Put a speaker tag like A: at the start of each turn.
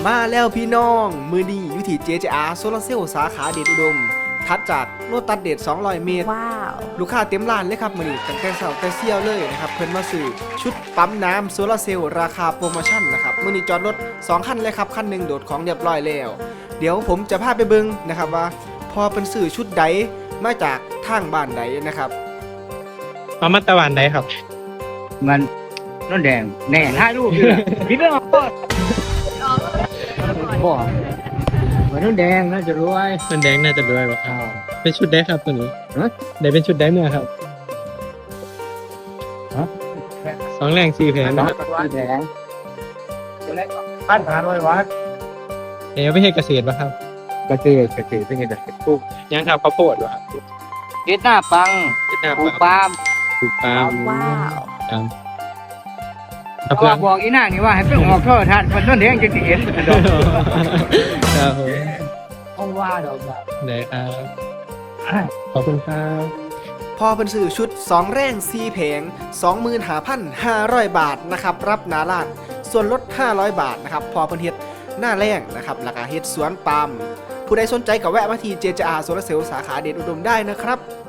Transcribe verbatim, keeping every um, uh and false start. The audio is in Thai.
A: มาแล้วพี่น้องมือดีอยู่ที่ เจ เจ อาร์ โซลาร์เซลล์สาขาเดชอุดมถัดจากโลตัสเดชสองร้อยเมตร
B: ว้าว
A: ลูกค้าเต็มร้านเลยครับมื้อนี้ตั้งแต่เช้าแต่เที่ยวเลยนะครับเพิ่นมาซื้อชุดปั๊มน้ำโซลาร์เซลล์ราคาโปรโมชั่นนะครับมื้อนี้จอดรถสองคันเลยครับคันหนึงโดดของเรียบร้อยแล้วเดี๋ยวผมจะพาไปเบิ่งนะครับว่าพอเป็นซื้อชุดใดมาจากทางบ้านใดนะครับ
C: เอามาตะวันไหนครับ
D: มันน้นแดงแน่ถ่ายรูปอยู่ล่ะพี่ไม่ออกบ่บ่มันน้นแดงน่าจะรวย
C: มันแดงน่าจะด้วยป่ะครับ
D: อ้าว
C: เป็นชุดได้ครับตัวนี้
D: ฮะ
C: ได้เป็นชุดได้เมื่อครับ
D: ฮะ
C: สองแรงสี่แผง
D: น้
C: นะ
D: อง
C: ครับ
D: พี่แดงพันหาร้อยวัด
C: เอ๋ไม่ให้เกษตรป่ะครับ
D: กระเตยกระเตยเป็นไงล่ะปลูก
C: ยังครับข้าวโพดป่ะครับ
D: เฮ็ดหน้าปัง
C: เวียดนาม
D: ปลูก
C: ป
D: ปา
C: าล์
D: ล์
C: ม
D: ม
C: ปลูกปาล์ม
B: ว้าว
C: ครับ
D: เพราะว่าบอกอีนางนี่ว่าให้ไปออกโทรทัศน์มันน้นแดงจะสิเห็นดอก
C: ครับผม
D: ห้องว่าดอกแบบ
C: ได้ครับขอบคุณครับ
A: พอเป็นสื่อชุดสองแร่งสี่แผง สองหมื่นห้าพันห้าร้อย บาทนะครับรับหนาล้านส่วนลดห้าร้อยบาทนะครับพอเป็นเฮ็ดหน้าแร่งนะครับราคาเฮ็ดสวนปาล์มผู้ใดสนใจก็แวะมาที่ เจ เจ อาร์ โซลาร์เซลล์สาขาเดชอุดมได้นะครับ